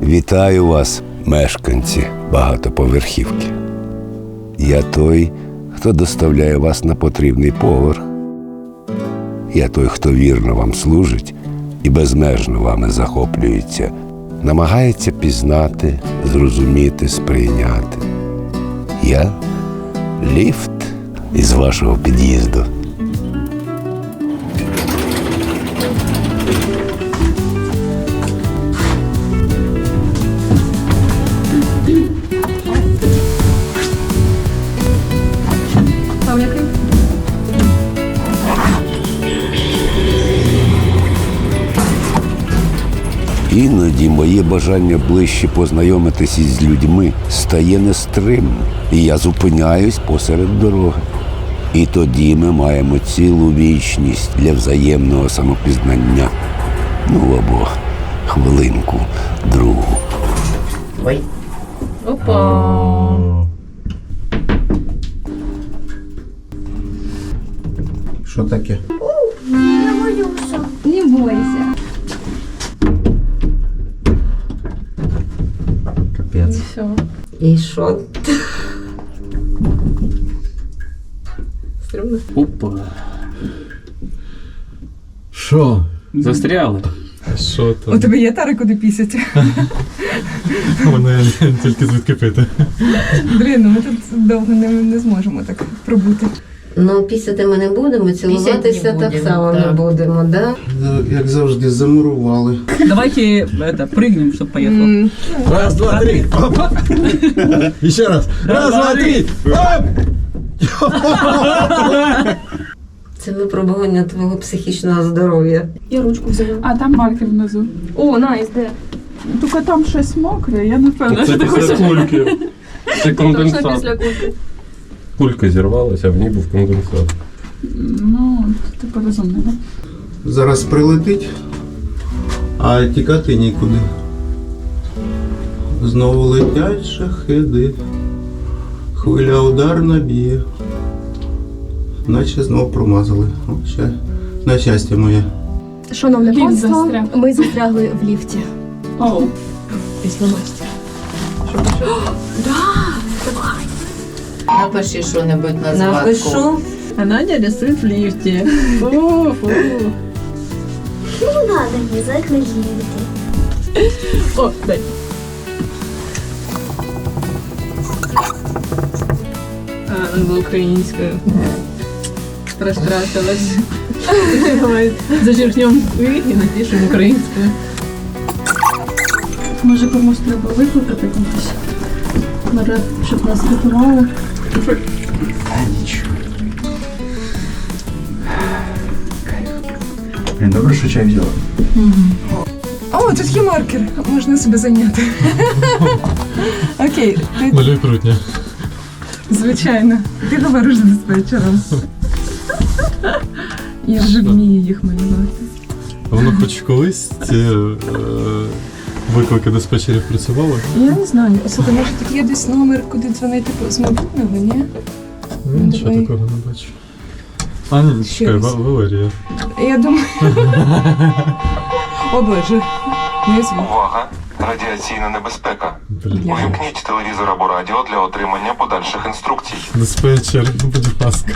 Вітаю вас, мешканці багатоповерхівки. Я той, хто доставляє вас на потрібний поверх. Я той, хто вірно вам служить і безмежно вами захоплюється, намагається пізнати, зрозуміти, сприйняти. Я – ліфт із вашого під'їзду. Іноді моє бажання ближче познайомитись із людьми стає нестримним, і я зупиняюсь посеред дороги. І тоді ми маємо цілу вічність для взаємного самопізнання. Ну або хвилинку другу. Ой. Опа! Що таке? Я боюся. Не бойся. Капець. Все. І що? Стрімно. Опа. Що? Застряли. Що У там? тебе є тари, куди пісять? Мене тільки звідки пити. Блін, ну ми тут довго не зможемо так пробути. Ну, пісяти ми не будемо, цілуватися так само не будемо, да? Як завжди, замурували. Давайте прыгнем, чтобы поехал. Раз, два, три. Опа. І ще раз. Раз, два, три. Оп! Це випробування твого психічного здоров'я. Я ручку взяла. А там маркер внизу. О, найс, де? Тільки там щось мокре, я не впевнена, Це що ти після хочеш. кульки. Це Точно конденсат. після кульки. Кулька зірвалася, а в ній був конденсат. Ну, ти розумний, так? Зараз прилетить, а тікати нікуди. Знову летять шахеди. Хвиля ударна б'є. Наче знов промазали. О, на щастя моє. Шановне Ліфт панство, застряг. ми застрягли в ліфті. Оу. Після мастера. Напиши що-небудь на згадку. Напишу. А Надя рисует в лифте. Фу-фу. Не надо мені заклеїти. О, дай. А, надо українською. Розтратилась. Давай зачеркнем «и» і напишемо українською. Може комусь треба викликати комусь? Може, щоб нас рятували? Нічого. Блін, добре, що чай взяла. О, тут є маркер, можна себе зайняти. Окей, ти, Малюй прутня. звичайно, ти говориш з диспетчером. Я вже вмію їх малювати. А воно хоч колись ці виклики диспетчерів працювали? Я не знаю, слухай, може тут є десь номер, куди дзвонити з мобільного, ні? Ну, нічого давай. такого не бачу. А ні, Ще чекай, раз. Валерія. Я думаю... О боже, не звук. Увага! Радіаційна небезпека. Блін. Увімкніть телевізор або радіо для отримання подальших інструкцій. Диспетчер, ну, будь ласка.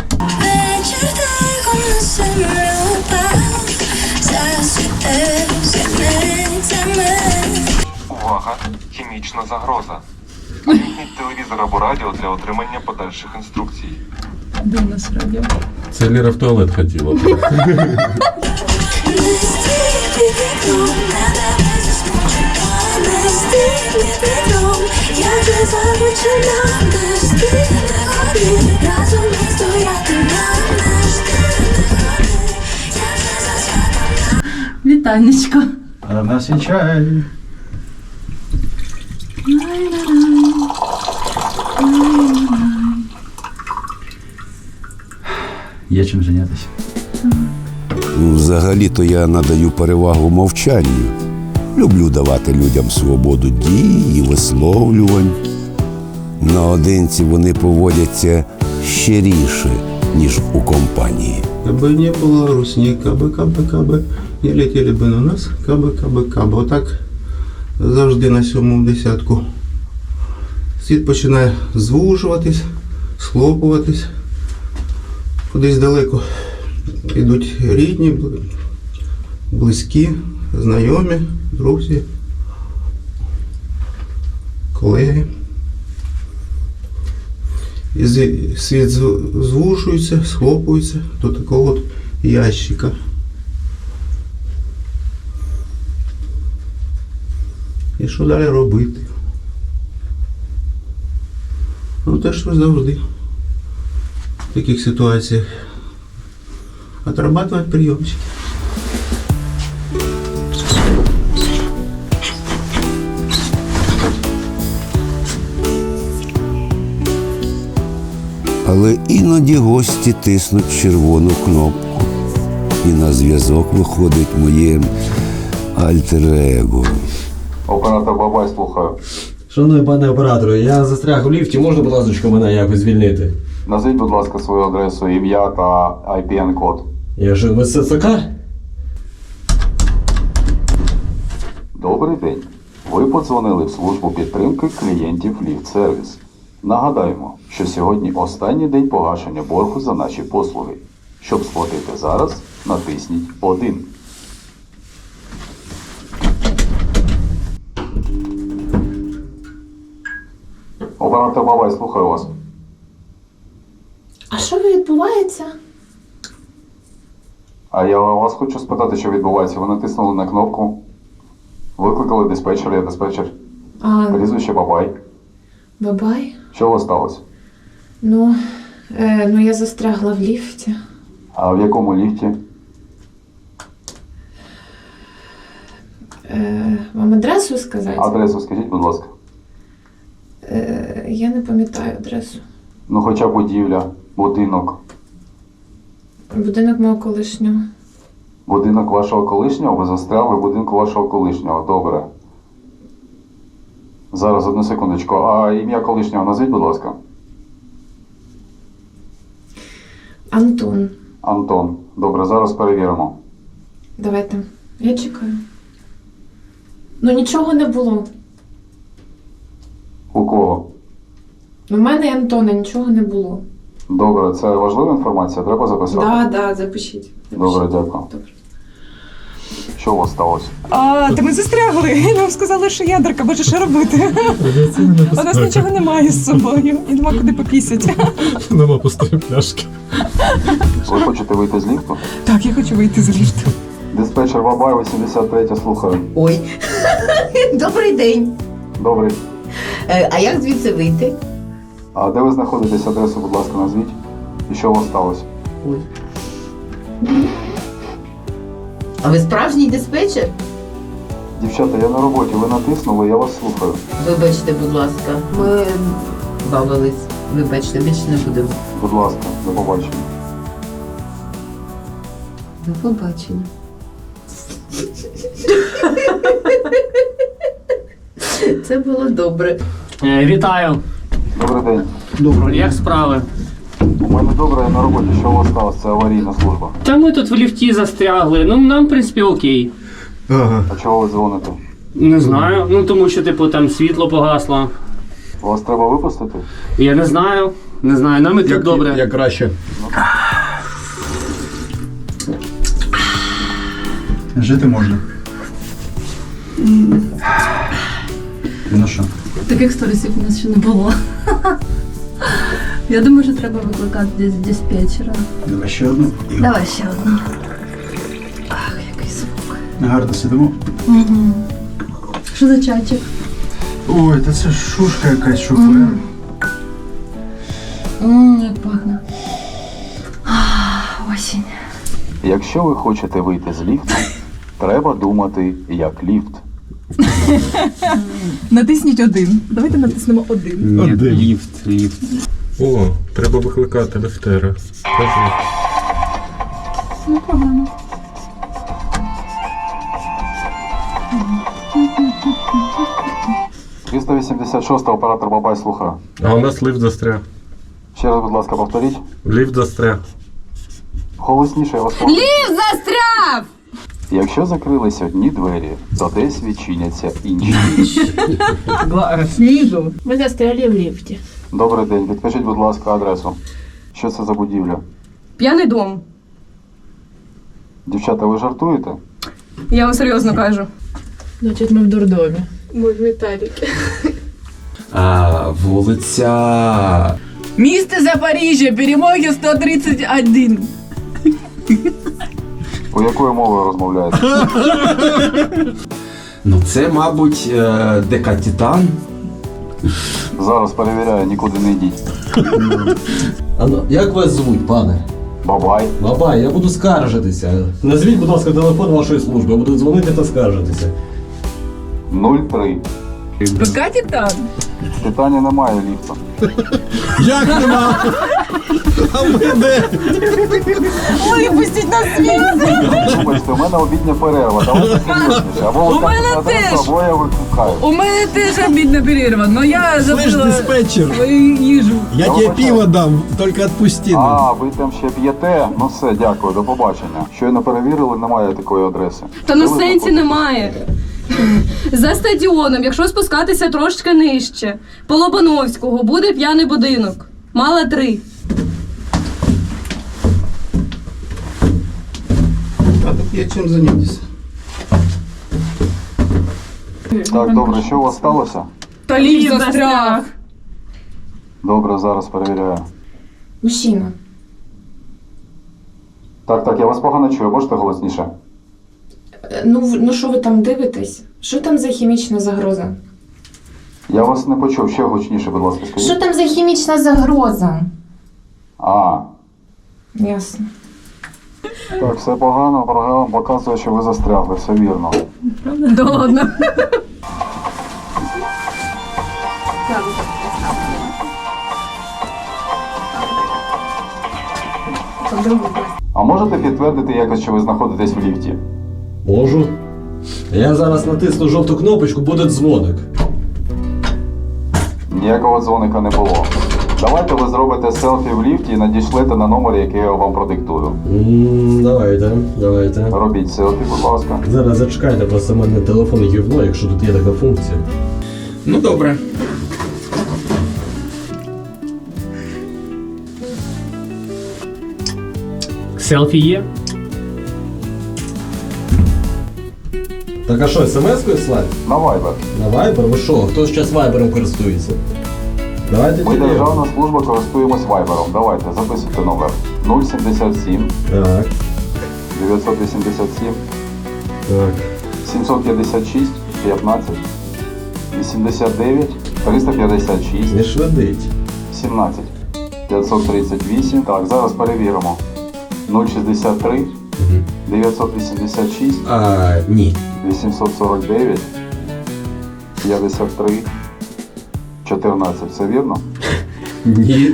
Увага! Хімічна загроза. Увімкніть телевізор або радіо для отримання подальших інструкцій. Де у нас радіо? Це Ліра в туалет хотіла. Вітанечко. А в нас є чай. Є чим зайнятися. Взагалі-то я надаю перевагу мовчанню. Люблю давати людям свободу дій і висловлювань. Наодинці вони поводяться щиріше, ніж у компанії. Кабы не было русни, кабы, не летели бы на нас, кабы. Вот так завжди на 7-му десятку. Світ починає звужуватись, схлопуватись. Кудись далеко йдуть рідні, близькі, знайомі, друзі, колеги. І світ звужується, схлопується до такого от ящика. І що далі робити? Ну те, що завжди в таких ситуаціях. Отрабатывать приемчики. Але іноді гості тиснуть червону кнопку. І на зв'язок виходить моє альтер-его. Оператор Бабай, слухаю. Шановний пане оператору, я застряг у ліфті, можна, будь ласка, мене якось звільнити? Назвіть, будь ласка, свою адресу, ім'я та IPN-код. Я ж в СЦК? Добрий день. Ви подзвонили в службу підтримки клієнтів Ліфт-сервіс. Нагадаємо, що сьогодні останній день погашення боргу за наші послуги. Щоб сплатити зараз, натисніть 1. Оператор Бабай, слухаю вас. А що відбувається? А я вас хочу спитати, що відбувається. Ви натиснули на кнопку, викликали диспетчера, я диспетчер. Прізвище Бабай. Бабай? Що у вас сталося? Ну я застрягла в ліфті. А в якому ліфті? Вам адресу сказати? Адресу скажіть, будь ласка. Я не пам'ятаю адресу. Ну, хоча будівля, будинок. Будинок мого колишнього. Будинок вашого колишнього? Ви застрягли в будинку вашого колишнього. Добре. Зараз, одну секундочку. А ім'я колишнього назвіть, будь ласка. Антон. Антон. Добре, зараз перевіримо. Давайте. Я чекаю. Ну нічого не було. У кого? У мене і Антона нічого не було. Добре, це важлива інформація, треба записати? Да, запишіть. Добре, дякую. Добре. Що у вас сталося? Та ми застрягли. І нам сказали, що ядерка, боже, що робити? У нас нічого немає з собою. І нема куди попісять. Нема пустої пляшки. Ви хочете вийти з ліфту? Так, я хочу вийти з ліфту. Диспетчер Бабай, 83, слухаю. Ой, добрий день. Добре. А як звідси вийти? А де ви знаходитесь? Адресу, будь ласка, назвіть. І що у вас сталося? Ой. А ви справжній диспетчер? Дівчата, я на роботі, ви натиснули, я вас слухаю. Вибачте, будь ласка, ми бавились. Вибачте, більше не будемо. Будь ласка, до побачення. До побачення. Це було добре. Вітаю. Добрий день. Добре. Як справи? У мене добре, я на роботі. Що у вас сталося? Це аварійна служба. Та ми тут в ліфті застрягли. Ну, нам, в принципі, окей. А чого ви дзвоните? Не знаю. Ну, тому що, типу, там світло погасло. Вас треба випустити? Я не знаю. Не знаю. Нам і тут добре. Як краще. Жити можна. Ну що? Таких сторісів у нас ще не було. Я думаю, що треба викликати десь диспетчера. Давай ще одну. Давай ще одну. Ах, який звук. Гарно сидимо. Угу. Що за чайчик? Ой, та це шушка якась, шофер. Як пахне. Осінь. Якщо ви хочете вийти з ліфту, треба думати як ліфт. Натисніть 1. Давайте натиснемо 1. Ні, ліфт. О, треба викликати ліфтера. Кажи. Непогано. 386 оператор Бабай, слухаю. А у нас ліфт застряг. Ще раз, будь ласка, повторіть. Ліфт застряг. Голосніше, я вас прошу. Ліфт застряв! Якщо закрились одні двері, то десь відчиняться інші. Снизу. Ми застряли в ліфті. Добрий день, підкажіть, будь ласка, адресу. Що це за будівля? П'яний дом. Дівчата, ви жартуєте? Я вам серйозно кажу. Значить, ми в дурдомі. Ми в Віталіки. Вулиця. Місто Запоріжжя, перемоги 131. У якою мовою розмовляєте? Ну це, мабуть, ДК Титан. Зараз перевіряю, нікуди не йдіть. Як вас звуть, пане? Бабай. Бабай, я буду скаржитися. Назвіть, будь ласка, телефон вашої служби, я буду дзвонити та скаржитися. 03. ДК Титан. В Титані немає ліфта. Як нема? А ми де? Випустіть на світ! Вибачте, у мене обідня перерва, давайте серйозніше. Або ви скажете адресу, або я викликаю. У мене теж обідна перерва, но я Слышь, забула диспетчер, свою їжу. я тебе пиво дам, только отпусти. А, ви там ще п'єте? Ну все, дякую, до побачення. Щойно перевірили, немає такої адреси. Та ну Де ви сенсі знаходитесь? немає. За стадіоном, якщо спускатися трошки нижче, по Лобановського буде п'яний будинок. Мала 3. А тут є чим зайнятися. Так, добре, що у вас сталося? Та ліфт застряг. Добре, зараз перевіряю. Мужчина. Так, я вас погано чую, можете голосніше? Ну що ви там дивитесь? Що там за хімічна загроза? Я вас не почув, ще гучніше, будь ласка, скажіть. Що там за хімічна загроза? А, Ясно. так, все погано, програма показує, що ви застрягли, все вірно. Да ладно. А можете підтвердити якось, що ви знаходитесь в ліфті? Можу. Я зараз натисну жовту кнопочку, буде дзвоник. Ніякого дзвоника не було. Давайте ви зробите селфі в ліфті і надішлете на номер, який я вам продиктую. Давайте. Робіть селфі, будь ласка. Зараз зачекайте, просто в мене телефон гівно, якщо тут є така функція. Ну добре. Селфі є? Так а що, смс-кою слать? На Viber. На Viber? Ви що? Хто зараз Viber користується? Давайте Ми телефон. державна служба користуємось Viber. Давайте, записуйте номер. 077 Так, 987 так. 756 15 89 356 Не швидить. 17 538. Так, зараз перевіримо. 063 986 Ні. 849 53 14. Все вірно? Ні.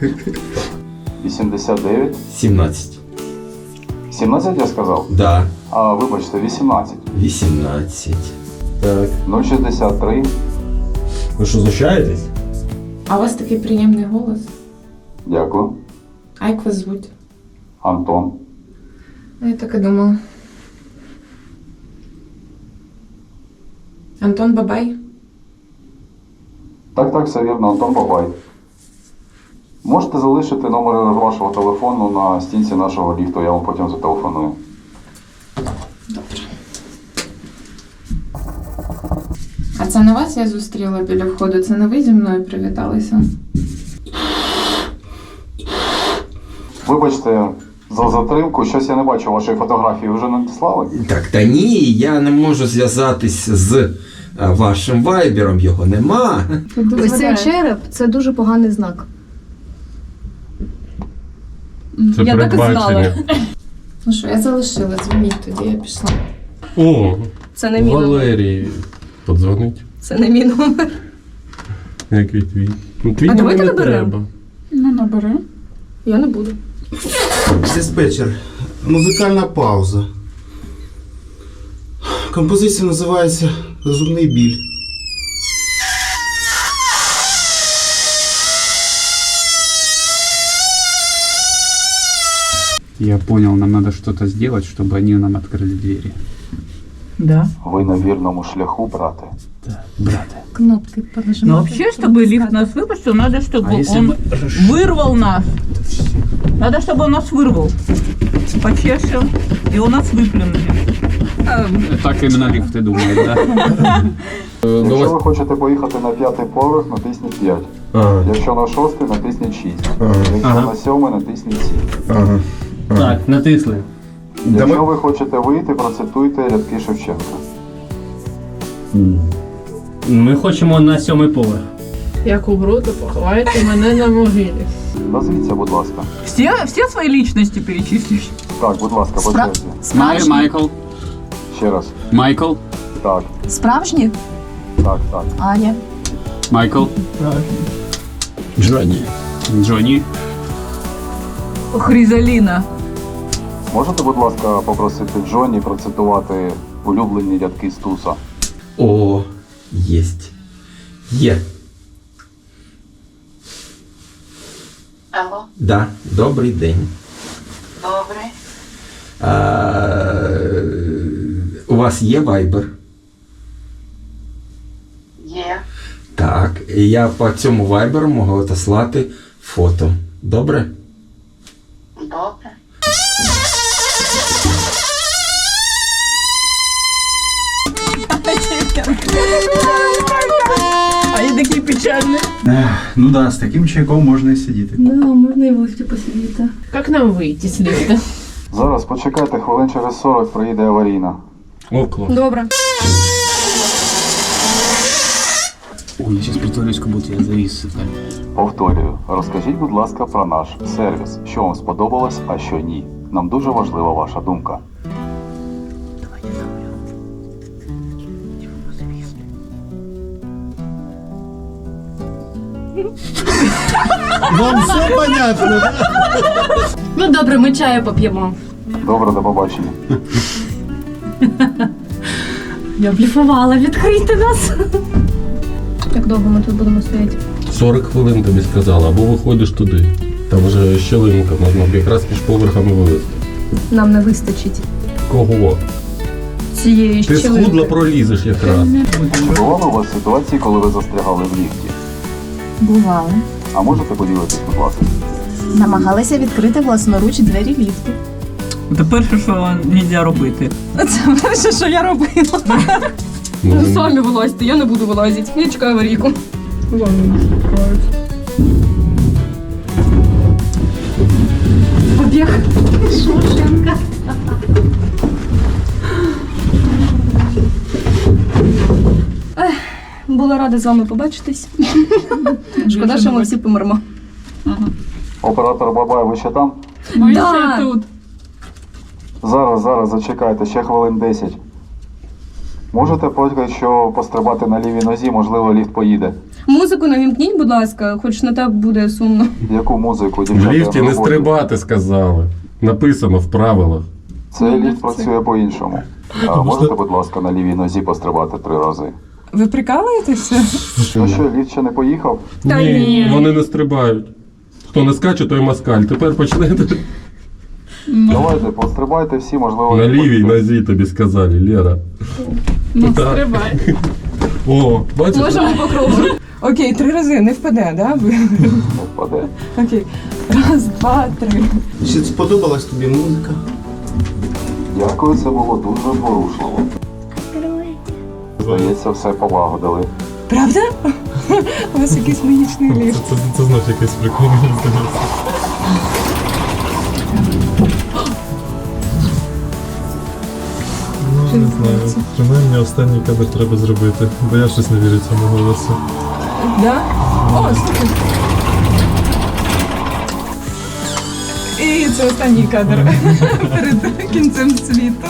89 17. 17 я сказав? Да. А, вибачте, 18. 18. Так. 063. Ви що, знущаєтесь? А у вас такий приємний голос. Дякую. А як вас звуть? Антон. Я так і думала. Антон Бабай? Так, все вірно, Антон Бабай. Можете залишити номер вашого телефону на стінці нашого ліфту, я вам потім зателефоную. Добре. А це не вас я зустріла біля входу? Це не ви зі мною привіталися? Вибачте за затримку, щось я не бачу вашої фотографії, вже надіслали? Так, та ні, я не можу зв'язатись з вашим вайбером, його нема. Ось цей череп це дуже поганий знак. Це Я так і знала. Ну що, я залишила, дзвоніть тоді, я пішла. О, Це не мій номер. Валерій подзвонить. Це не мій номер. Який твій? Ну твій А мені давайте не наберемо. треба. Ну, набери. Я не буду. Диспетчер. Музикальна пауза. Композиція називається «Зубний біль». Я понял, нам надо что-то сделать, чтобы они нам открыли двери. Да. Ви на вірному шляху, брате. Брате. Кнопки понажимати. Но вообще, чтобы лифт нас выпустил, надо, чтобы он вырвал нас. Надо, чтобы он нас вырвал. Почешем, и он нас выплюнет. Так именно лифты думают, да? Якщо ви хочете поїхати на 5-й поверх, натисніть 5. Якщо на 6-й, натисніть 6. Якщо на 7-й, натисніть 7. Так, натисли. Якщо ви хочете вийти, процитуйте рядки Шевченка. Ми хочемо на 7-й поверх. Як умру, то поховайте мене на могилі. Назвіться, будь ласка. Все свои личности перечислишь? Так, будь ласка, по черзі. Майкл. Ще раз. Майкл. Так, Справжні? так, так. Аня. Майкл. Джонні. Джонні. Хризалина. Можете, будь ласка, попросити Джонні процитувати улюблені рядки Стуса? О, єсть. Є. Алло, Да, добрий день. добре. У вас є вайбер? Є. Так, я по цьому вайберу можу отослати фото. Добре? Добре. Они такие печальные. Ну да, з таким чайком можна і сидіти. Да, можна і в лифті посидіти. Как нам выйти с лифта? Зараз почекайте, хвилин через 40 приїде аварійна. Около. Добре. Ой, я сейчас притворюсь, как будто я завис. Повторюю, розкажіть, будь ласка, про наш сервіс. Що вам сподобалось, а що ні. Нам дуже важлива ваша думка. Вам все понятно, да? Ну добре, ми чаю поп'ємо. Добре, до побачення. Я бліфувала, відкрийте нас. Як довго ми тут будемо стояти? 40 хвилин тобі сказала, або виходиш туди. Там вже щелинка, можна б якраз між поверхами вивезти. Нам не вистачить Кого? цієї Ти щілинки. схудла пролізеш якраз. Чи бували у вас ситуації, коли ви застрягали в ліфті? Бувало. А можете поділитись, будь ласка? Намагалися відкрити власноруч двері ліфту. Це перше, що нельзя робити. Це перше, що я робила. Ну самі вилазьте, я не буду вилазити. Я чекаю аварійку. Побіг. Шушенка. Була рада з вами побачитись. Шкода, що ми всі помермо. Оператор Бабай, ви ще там? Ми Да. ще тут. Зараз, зачекайте, ще хвилин 10. Можете поки що пострибати на лівій нозі, можливо, ліфт поїде. Музику навімкніть, будь ласка, хоч не так буде сумно. Яку музику, В дівчата? ліфті не роботі? стрибати, сказали. Написано в правилах. Цей ліфт працює по-іншому. Можете, будь ласка, на лівій нозі пострибати 3 рази? Ви прикалуєтеся? Ну що, ліфт ще не поїхав? Та ні. Вони не стрибають. Хто не скаче, той москаль. Тепер почнете. Давайте, пострибайте всі, можливо... На не лівій хочете. нозі тобі сказали, Лера. Ну, Так. стрибай. О, бачиш? Можемо по кругу. Окей, 3 рази, не впаде, да? Не впаде. Окей. 1, 2, 3. Чи сподобалась тобі музика? Дякую, це було дуже зворушливо. Здається, все полагодили. Правда? У вас якийсь магічний ліфт. Це знов якийсь прикол, мені здається. Ну, не знаю. Принаймні останній кадр треба зробити, бо я щось не вірю цьому голосу. Да? О, слухай. І це останній кадр перед кінцем світу.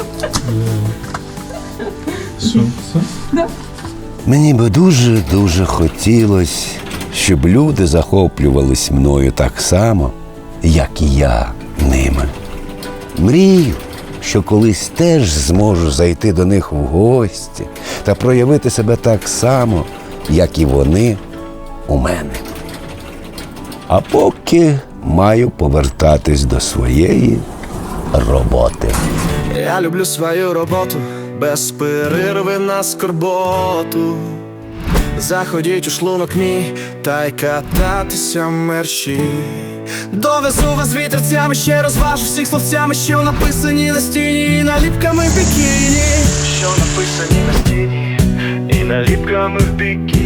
Що? Все? Мені би дуже хотілося, щоб люди захоплювались мною так само, як і я ними. Мрію, що колись теж зможу зайти до них в гості та проявити себе так само, як і вони у мене. А поки маю повертатись до своєї роботи. Я люблю свою роботу, без перерви на скорботу. Заходіть у шлунок мій, та й кататися мерщі. Довезу вас вітерцями, ще розважу всіх словцями, що написані на стіні, і наліпками в бікіні. Що написані на стіні, і наліпками в бікіні.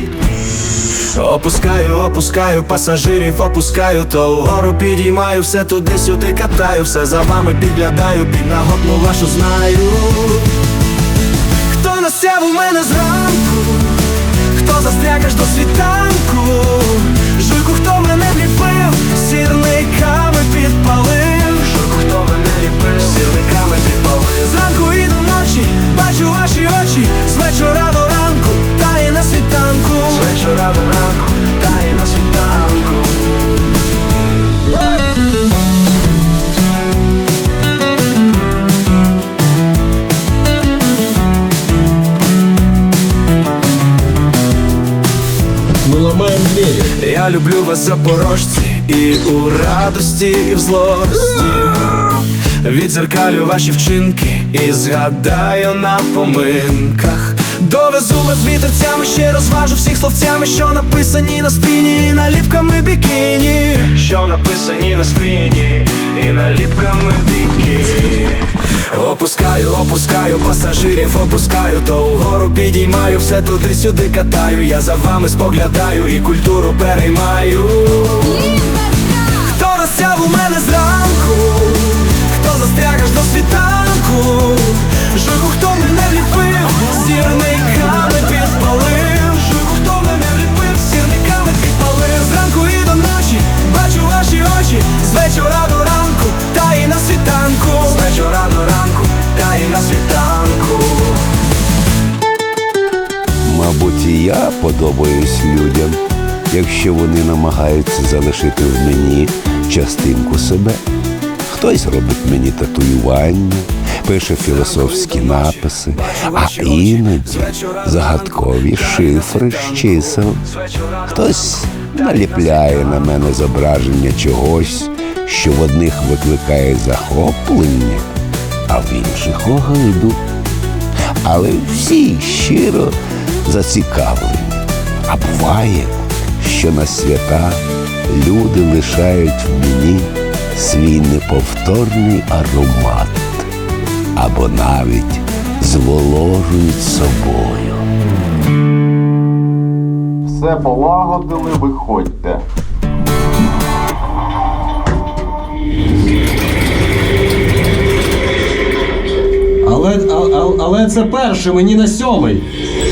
Опускаю пасажирів, опускаю, то вгору підіймаю, все туди-сюди катаю, все за вами підглядаю, піднаготну вашу знаю. Хто насяв у мене зранку, хто застряг аж до світанку, жуйку, хто мене вліпив, сірниками підпалив, жуйку, хто мене ліпив, сірниками підпалив. Зранку і до ночі бачу ваші очі, з вечора до ранку, та і на світанку, з вечора до ранку, та і на світанку. Ми ламаємо двері. Я люблю вас, запорожці, і у радості, і в злості. Відзеркалю ваші вчинки і згадаю на поминках. Довезу вас вітерцями, ще розважу всіх словцями, що написані на спині, і наліпками бікіні. Що написані на спині, і наліпками бікіні. Опускаю пасажирів, опускаю, то вгору підіймаю, все туди-сюди катаю, я за вами споглядаю і культуру переймаю. Хто розсяв у мене зранку, хто застряг аж до світанку, жуйку, хто мене вліпив, сірниками підпалив, жуйку, хто мене вліпив, сірниками підпалив. Зранку і до ночі бачу ваші очі, з вечора до ранку, та і на світанку, з вечора до ранку, та і на світанку. Мабуть, і я подобаюсь людям, якщо вони намагаються залишити в мені частинку себе. Хтось робить мені татуювання, пише філософські написи, а іноді загадкові шифри з чисел. Хтось наліпляє на мене зображення чогось, що в одних викликає захоплення, а в інших огиду. Але всі щиро зацікавлені. А буває, що на свята люди лишають в мені свій неповторний аромат або навіть зволожують собою. Все полагодили, виходьте. Але це перше, мені на 7-й.